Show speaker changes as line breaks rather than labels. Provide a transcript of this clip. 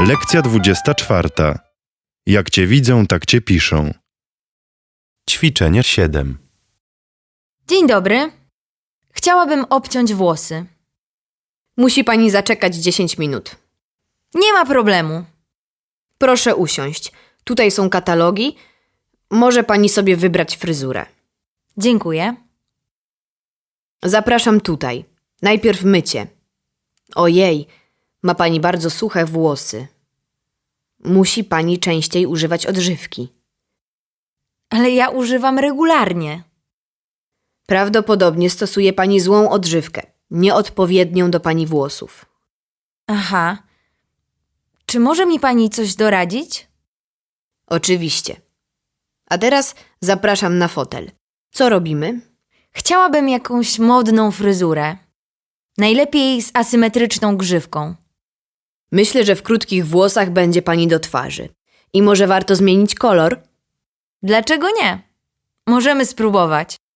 Lekcja 24. Jak cię widzą, tak cię piszą. Ćwiczenie 7.
Dzień dobry. Chciałabym obciąć włosy.
Musi pani zaczekać 10 minut.
Nie ma problemu.
Proszę usiąść. Tutaj są katalogi. Może pani sobie wybrać fryzurę.
Dziękuję.
Zapraszam tutaj. Najpierw mycie. Ojej, ma pani bardzo suche włosy. Musi pani częściej używać odżywki.
Ale ja używam regularnie.
Prawdopodobnie stosuje pani złą odżywkę, nieodpowiednią do pani włosów.
Aha. Czy może mi pani coś doradzić?
Oczywiście. A teraz zapraszam na fotel. Co robimy?
Chciałabym jakąś modną fryzurę. Najlepiej z asymetryczną grzywką.
Myślę, że w krótkich włosach będzie pani do twarzy. I może warto zmienić kolor?
Dlaczego nie? Możemy spróbować.